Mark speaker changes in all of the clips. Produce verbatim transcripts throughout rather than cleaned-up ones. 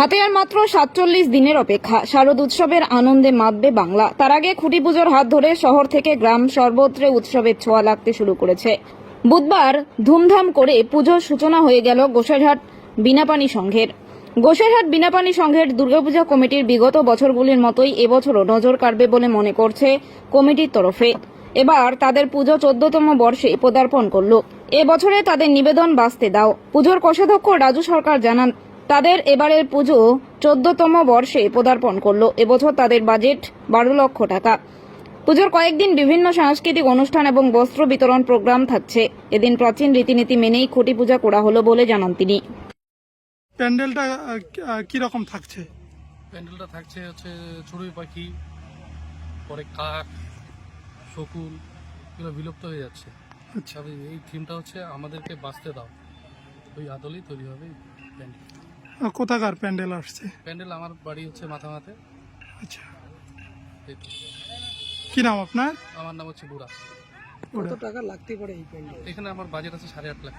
Speaker 1: হাতে আর মাত্র সাতচল্লিশ দিনের অপেক্ষা, শারদ উৎসবের আনন্দে মাতবে বাংলা। তার আগে খুঁটি পুজোর হাত ধরে শহর থেকে গ্রাম সর্বত্রে উৎসবের ছোঁয়া লাগতে শুরু করেছে। বুধবার ধুমধাম করে পুজোর সূচনা হয়ে গেল গোসাইরহাট বিনাপানি সংঘের। গোসাইরহাট বিনাপানি সংঘের দুর্গাপূজা কমিটির বিগত বছরগুলির মতোই এবছরও নজর কাড়বে বলে মনে করছে কমিটির তরফে। এবার তাদের পুজো চোদ্দতম বর্ষে পদার্পণ করল। এবছরে তাদের নিবেদন বাঁচতে দাও। পুজোর কোষাধ্যক্ষ রাজু সরকার জানান, তাদের এবারের পুজো চোদ্দতম বর্ষে পদার্পণ করলো। এবছর তাদের বাজেট বারো লক্ষ টাকা। পুজোর কয়েকদিন বিভিন্ন সাংস্কৃতিক অনুষ্ঠান এবং বস্ত্র বিতরণ প্রোগ্রাম থাকছে। এদিন প্রাচীন রীতিনীতি মেনেই খুঁটি পূজা করা হলো বলে জানান তিনি।
Speaker 2: প্যান্ডেলটা কি রকম থাকছে?
Speaker 3: প্যান্ডেলটা থাকছে হচ্ছে চড়ুই পাখি, পরে কাক, শকুন, এগুলো বিলুপ্ত হয়ে যাচ্ছে।
Speaker 2: আচ্ছা,
Speaker 3: তবে এই থিমটা হচ্ছে আমাদেরকে বাঁচতে দাও, ওই আদলেই তৈরি হবে এই প্যান্ডেল।
Speaker 2: কোথাকার প্যান্ডেল আসছে?
Speaker 3: প্যান্ডেল আমার বাড়ি হচ্ছে মাথামাতে।
Speaker 2: আচ্ছা,
Speaker 3: এই তো।
Speaker 2: কি নাম আপনার?
Speaker 3: আমার নাম হচ্ছে বুড়া।
Speaker 2: কত
Speaker 4: টাকা লাগতে পারে এই প্যান্ডেল?
Speaker 3: এখানে আমার বাজেট আছে সাড়ে আট লাখ।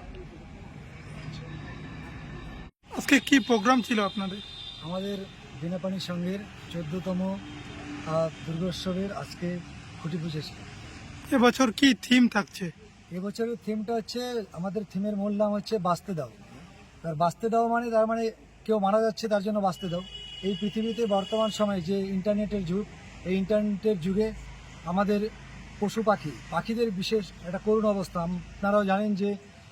Speaker 2: আজকে কি প্রোগ্রাম ছিল আপনাদের?
Speaker 4: আমাদের বিনাপানি সংঘের চোদ্দতম দুর্গোৎসবের আজকে খুঁটি পুজো ছিল।
Speaker 2: এবছর কি থিম থাকছে?
Speaker 4: এবছরের থিমটা হচ্ছে, আমাদের থিমের মূল নাম হচ্ছে বাঁচতে দাও। তার বাঁচতে দাও মানে তার মানে কেউ মারা যাচ্ছে তার জন্য বাঁচতে দাও। এই পৃথিবীতে বর্তমান সময়ে যে ইন্টারনেটের যুগ, এই ইন্টারনেটের যুগে আমাদের পশু পাখি পাখিদের বিশেষ একটা করুণ অবস্থা। আপনারাও জানেন যে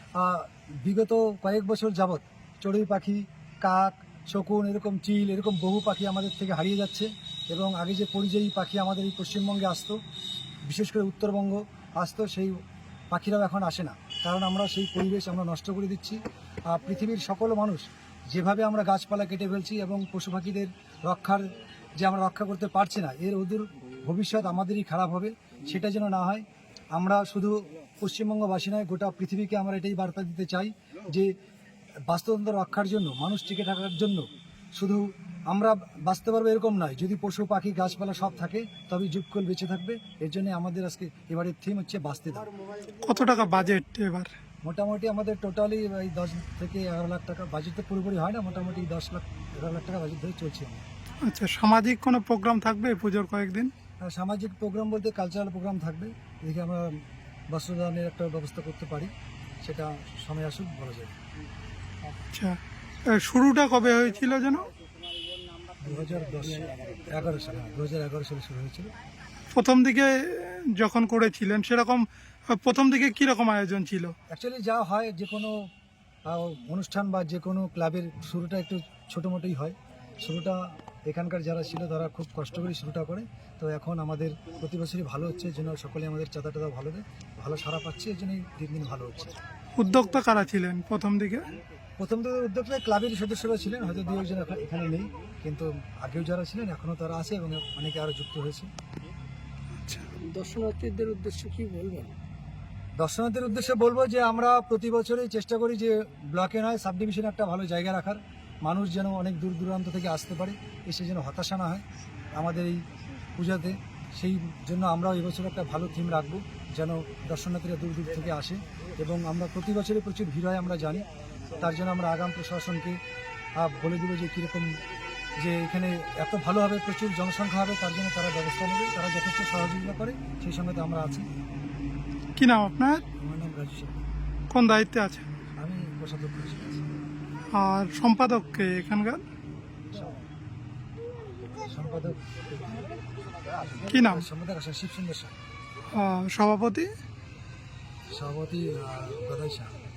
Speaker 4: বিগত কয়েক বছর যাবৎ চড়ুই পাখি, কাক, শকুন, এরকম চিল, এরকম বহু পাখি আমাদের থেকে হারিয়ে যাচ্ছে। এবং আগে যে পরিযায়ী পাখি আমাদের এই পশ্চিমবঙ্গে আসতো, বিশেষ করে উত্তরবঙ্গ আসতো, সেই পাখিরাও এখন আসে না। কারণ আমরা সেই পরিবেশ আমরা নষ্ট করে দিচ্ছি। পৃথিবীর সকল মানুষ যেভাবে আমরা গাছপালা কেটে ফেলছি এবং পশু পাখিদের রক্ষার যে আমরা রক্ষা করতে পারছি না, এর অদূর ভবিষ্যৎ আমাদেরই খারাপ হবে। সেটা যেন না হয়, আমরা শুধু পশ্চিমবঙ্গবাসী নয়, গোটা পৃথিবীকে আমরা এটাই বার্তা দিতে চাই যে বাস্তুতন্ত্র রক্ষার জন্য, মানুষ টিকে থাকার জন্য শুধু আমরা বাঁচতে পারবো এরকম নয়, যদি পশু পাখি গাছপালা সব থাকে তবে যুগকুল বেঁচে থাকবে। এর জন্য আমাদের আজকে এবারের থিম হচ্ছে বাঁচতে দাও।
Speaker 2: কত টাকা বাজেট এবার?
Speaker 4: মোটামুটি আমাদের টোটালি এই দশ থেকে এগারো লাখ টাকা বাজেট, তো পুরোপুরি হয় না, মোটামুটি দশ লাখ এগারো লাখ টাকা বাজেট ধরে চলছে।
Speaker 2: আচ্ছা, সামাজিক কোনো প্রোগ্রাম থাকবে পুজোর কয়েকদিন?
Speaker 4: আর সামাজিক প্রোগ্রাম বলতে কালচারাল প্রোগ্রাম থাকবে। এদিকে আমরা বস্ত্রদানের একটা ব্যবস্থা করতে পারি, সেটা সময় আসুক বলা যায়।
Speaker 2: আচ্ছা, শুরুটা কবে হয়েছিল যেন?
Speaker 4: দু হাজার দশ এগারো সালে দু হাজার এগারো সালে শুরু হয়েছিল।
Speaker 2: প্রথম দিকে যখন করেছিলেন সেরকম প্রথম দিকে কীরকম আয়োজন ছিল?
Speaker 4: অ্যাকচুয়ালি যা হয় যে কোনো অনুষ্ঠান বা যে কোনো ক্লাবের শুরুটা একটু ছোটো মোটোই হয়। শুরুটা এখানকার যারা ছিল তারা খুব কষ্ট করে শুরুটা করে। তো এখন আমাদের প্রতি বছরই ভালো হচ্ছে, যেন সকলে আমাদের চাঁদা টাদা ভালো দেয়, ভালো সারা পাচ্ছে, এই জন্যই দিন দিন ভালো হচ্ছে।
Speaker 2: উদ্যোক্তা কারা ছিলেন প্রথম দিকে?
Speaker 4: প্রথম দিকে উদ্যোক্তা ক্লাবের সদস্যরা ছিলেন, হয়তো দু একজন এখানে নেই, কিন্তু আগেও যারা ছিলেন এখনও তারা আছে এবং অনেকে আরও যুক্ত হয়েছে।
Speaker 2: আচ্ছা,
Speaker 4: দর্শনার্থীদের উদ্দেশ্যে কি বলবেন? দর্শনার্থীদের উদ্দেশ্যে বলবো যে আমরা প্রতি বছরই চেষ্টা করি যে ব্লকে নয় সাব ডিভিশনে একটা ভালো জায়গা রাখার, মানুষ যেন অনেক দূর দূরান্ত থেকে আসতে পারে, এসে যেন হতাশা না হয় আমাদের এই পূজাতে। সেই জন্য আমরাও এবছর একটা ভালো থিম রাখবো, যেন দর্শনার্থীরা দূর দূর থেকে আসে। এবং আমরা প্রতি বছরই প্রচুর ভিড় হয় আমরা জানি, তার জন্য আমরা আগাম প্রশাসনকে বলে দেবো যে কীরকম, যে এখানে এত ভালো হবে, প্রচুর জনসংখ্যা হবে, তার জন্য তারা ব্যবস্থা নেবে, তারা যথেষ্ট সহযোগিতা করে, সেই সঙ্গে তো আমরা আছি।
Speaker 2: কি নাম আপনার?
Speaker 4: আমার নাম রাজু সরকার।
Speaker 2: কোন দায়িত্বে আছে?
Speaker 4: আমি কোষাধ্যক্ষ হিসেবে আছি।
Speaker 2: আর সম্পাদককে এখানকার
Speaker 4: সম্পাদক
Speaker 2: কি নাম?
Speaker 4: সম্পাদক আসা শিব সুন্দর শাহ।
Speaker 2: আর সভাপতি?
Speaker 4: সভাপতি গদাই শাহ।